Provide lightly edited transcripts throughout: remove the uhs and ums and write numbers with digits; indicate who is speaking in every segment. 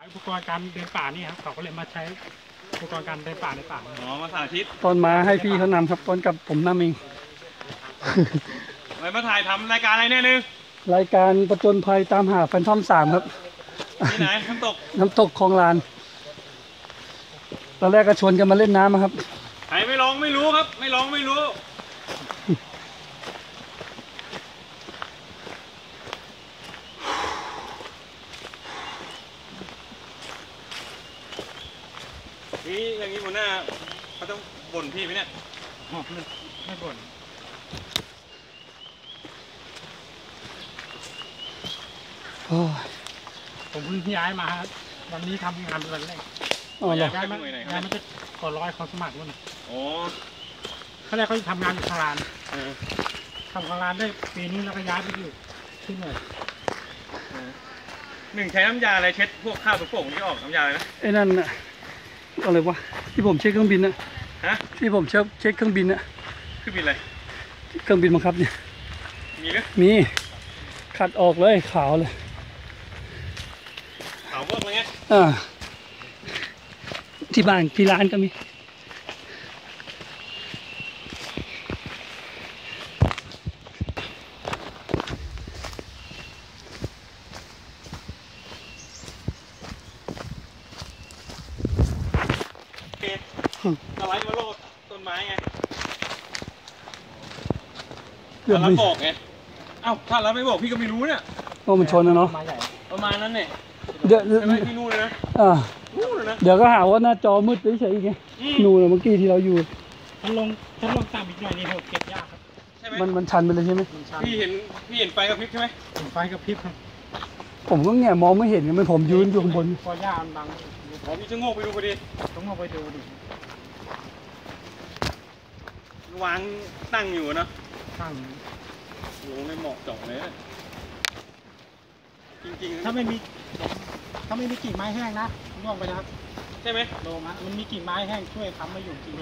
Speaker 1: อุปกรณ์การเดินป่านี่ครับเขาก็เลยมาใช้อุปกรณ์การเดินป่าในป่า
Speaker 2: อ๋อมาสาธิต
Speaker 3: ตอนมาให้พี่เขานำครับตอนกับผมนำเอง
Speaker 2: อะไรมาถ่ายทำรายการอะไรเนี่ยนึง
Speaker 3: รายการประจนภัยตามหาแฟนทอม3ครับ
Speaker 2: ที่ไหนน้ำตก
Speaker 3: คลองลานตอนแรกก็ชวนกันมาเล่นน้ำครับ
Speaker 2: ใครไม่ลองไม่รู้ครับไม่ลองไม่รู้นี่อย่างนี้หัวหน้าเขาต้องบ่นพี่ไหมเนี่ย
Speaker 1: ไม่บ่นผมเพิ่งย้ายมาครับวันนี้ทำงานวันแรกย้ายมาจะก่อร้อยเขาสมัครนู่น
Speaker 2: อ๋อ
Speaker 1: เขาแรกเขาจะทำงานอยู่คารานทำคารานได้ปีนี้แล้วก็ย้ายไปอยู่ที่หน่วย
Speaker 2: หนึ่งใช้น้ำยาอะไรเช็ดพวกข้าวตัวโป่งที่ออกน้ำยาอะไรนะ
Speaker 3: ไอ้นั่นน่ะอะไรวะที่ผมเช็คเครื่องบินนะที่ผมเช็คเครื่องบินนะ
Speaker 2: เครื่องบินอะไร
Speaker 3: เครื่องบินบังคับเนี่ย
Speaker 2: มีไหม
Speaker 3: มีขัดออกเลยขาวเลย
Speaker 2: ขาวพวกอะไรเงี้ย
Speaker 3: ที่บ้านที่ร้านก็มี
Speaker 2: สไลด์มาโลดต้นไม้ไงถ้าเราบอกไงเอ้าถ้าเราไม่บอกพี่ก็ไม่รู้เนี่ย
Speaker 3: ว่ามันชนนะเนาะ
Speaker 2: ประมาณนั้นเนี่ย
Speaker 3: เดี๋ยว
Speaker 2: ที่นู่นเลยนะ
Speaker 3: นู่นเลยนะเดี๋ยวก็หาว่าหน้าจอมืดเฉยๆไงนู่นเมื่อกี้ที่เราอยู่
Speaker 1: ถ้าลงต่ำอีกหน่อยนี่เก็บยากครับ
Speaker 2: ใช่ไหม
Speaker 3: มันชันไปเลยใช่ไหม
Speaker 2: พี่เห็นไฟกระพริบใช่ไหม
Speaker 1: เห็นไฟกระพริบครับ
Speaker 3: ผมก็แง่มองไม่เห็นไงมันผมยืนอยู่ข้างบน
Speaker 1: พอหญ้ามันบัง
Speaker 2: พี่จะโง่ไปดูพอดี
Speaker 1: ต้องเอาไปดูดิ
Speaker 2: วางตั้งอยู่นะ
Speaker 1: ตั้ง
Speaker 2: โหในหมอกจ่อเลยจริงๆ
Speaker 1: ถ้าไม่มีกิ่งไม้แห้งนะล่วงไปนะครับ
Speaker 2: ใช่ไหม
Speaker 1: โลมามันมีกิ่งไม้แห้งช่วยค้ำมาอยู่จริง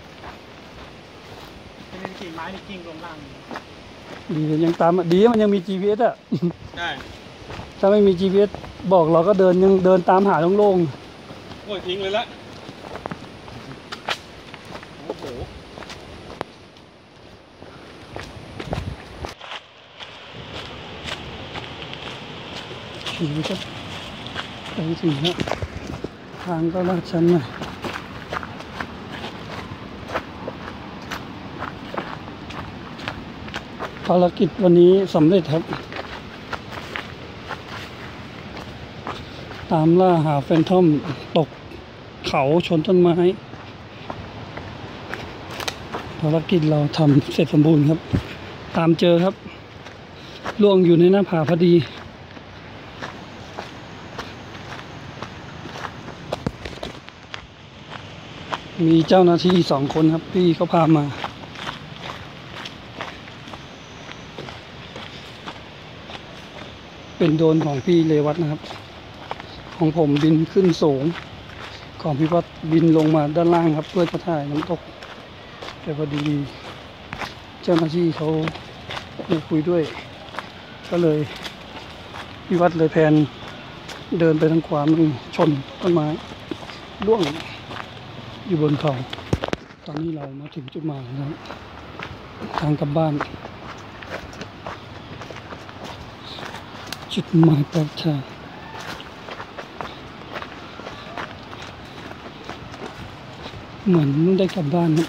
Speaker 1: ถ้าไม่มีกิ่งไม้นี่กิ่งลงล่าง
Speaker 3: ดียังตามดีมันยังมี GPS อ่ะ
Speaker 2: ใช่
Speaker 3: ถ้าไม่มี GPS บอกเราก็ยังเดินตามหาโล่ง
Speaker 2: โอ้ยทิ้งเลยละโอ้โห
Speaker 3: ขี่ก็ไปถึงแล้วทางก็ลาดชันหน่อยภารกิจวันนี้สำเร็จครับตามล่าหาแฟนทอมตกเขาชนต้นไม้ภารกิจเราทำเสร็จสมบูรณ์ครับตามเจอครับล่วงอยู่ในหน้าผาพอดีมีเจ้าหน้าที่2 คนครับพี่เขาพามาเป็นโดรนของพี่เรวัตนะครับของผมบินขึ้นสูงของพี่วัดบินลงมาด้านล่างครับเพื่อจะถ่ายน้ำตกแต่พอดีเจ้าหน้าที่เขาคุยด้วยก็เลยพี่วัดเลยแพนเดินไปทางขวามือชนต้นไม้ร่วงอยู่บนเขาตอนนี้เรามาถึงจุดหมายแล้วทางกลับบ้านจุดหมายปลายทางเหมือนได้กลับบ้านนะ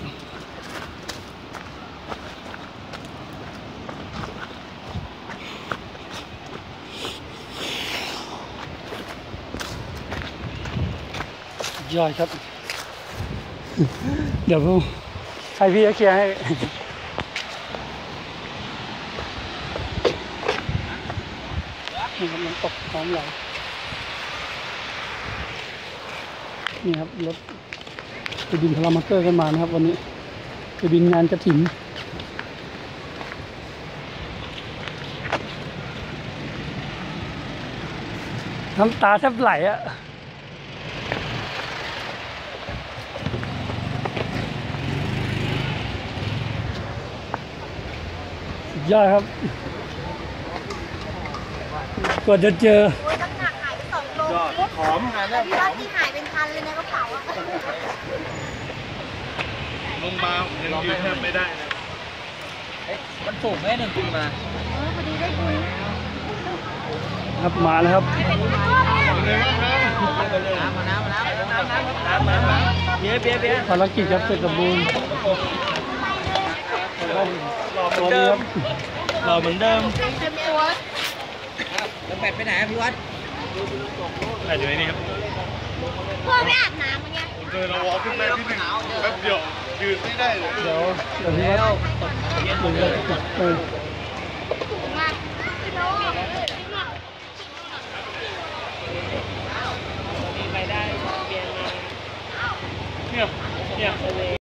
Speaker 3: ยอดครับเดี๋ยวใครพี่จะเคลียร์ให้นี่ครับมันตกพร้อมเรานี่ครับรถไปบินพารามอเตอร์กันมานะครับวันนี้ไปบินงานกฐินน้ำตาแทบไหลอะยอดครับกว่าจะเจอ
Speaker 2: ยอดขอมงานเนี่ย
Speaker 4: พี่ว่าที่หายเป็นพันเลยในกระเป๋าอะ
Speaker 2: ลงมาผมยังยืนแทบไม่ได้เลย
Speaker 5: มันสูงแค่1 ปีมา
Speaker 4: พอดีได้บุญ
Speaker 3: ครับมาแล้วครับ
Speaker 5: เบียร์
Speaker 3: ภารกิจครับเสร็จสมบูรณ์สวัสดีครับ
Speaker 5: เราเหมือนเดิม
Speaker 4: เต็มตัว
Speaker 5: แล้วแปดไปไหนพี่วัด
Speaker 2: อะไรอยู่ในนี้ครับ
Speaker 4: เพื่อไม่อาบน้ำมันไง
Speaker 2: เดินเราวอล์กขึ้นไปที่หนึ่งแป๊บเดียวยืนไม่ได้เลย
Speaker 3: เดี๋ยวพี่วัดเดี๋ยวเออ
Speaker 4: มากพี่โน้
Speaker 5: ไปได้เบียร์
Speaker 2: เนี่ย